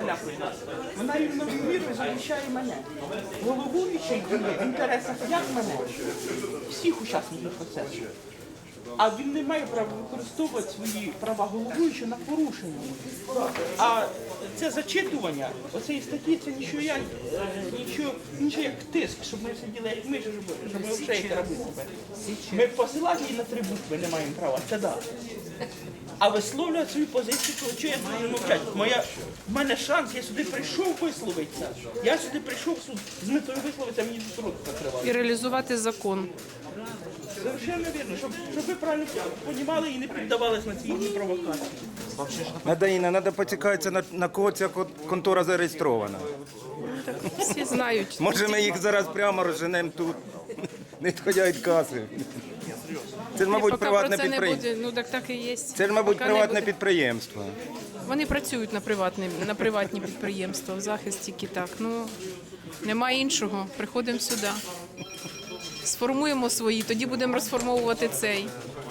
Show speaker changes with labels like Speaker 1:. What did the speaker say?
Speaker 1: налякує нас. Вона рівномірно захищає мене. Головуючий діє в інтересах як мене, всіх учасників процесу. А він не має права використовувати свої права головуючого на порушення. А це зачитування, оцеї статті, це нічого як тиск, щоб ми сиділи як ми, щоб ми взагалі робили себе. Ми посилати її на 3 букви не маємо права, це да. А висловлювати свою позицію, то чого я буду мовчати? В мене шанс, я сюди прийшов висловитися. Я сюди прийшов з метою висловитися, мені тут рот закривали.
Speaker 2: І реалізувати закон.
Speaker 1: Совершенно вірно, щоб ви правильно розуміли і не піддавались на ці їхні провокації.
Speaker 3: Надаїна, треба поцікавитися, на кого ця контора зареєстрована.
Speaker 2: Так, всі знають.
Speaker 3: Може ми їх зараз прямо розженемо тут, не відходя від каси. Це ж, мабуть,
Speaker 2: Поки
Speaker 3: приватне
Speaker 2: про це не
Speaker 3: підприємство.
Speaker 2: буде, ну так і є.
Speaker 3: Це ж, мабуть,
Speaker 2: Поки не
Speaker 3: приватне
Speaker 2: буде.
Speaker 3: підприємство.
Speaker 2: Вони працюють на приватні підприємства, в захист тільки так. Ну, немає іншого, приходимо сюди. Сформуємо свої, тоді будемо розформовувати цей.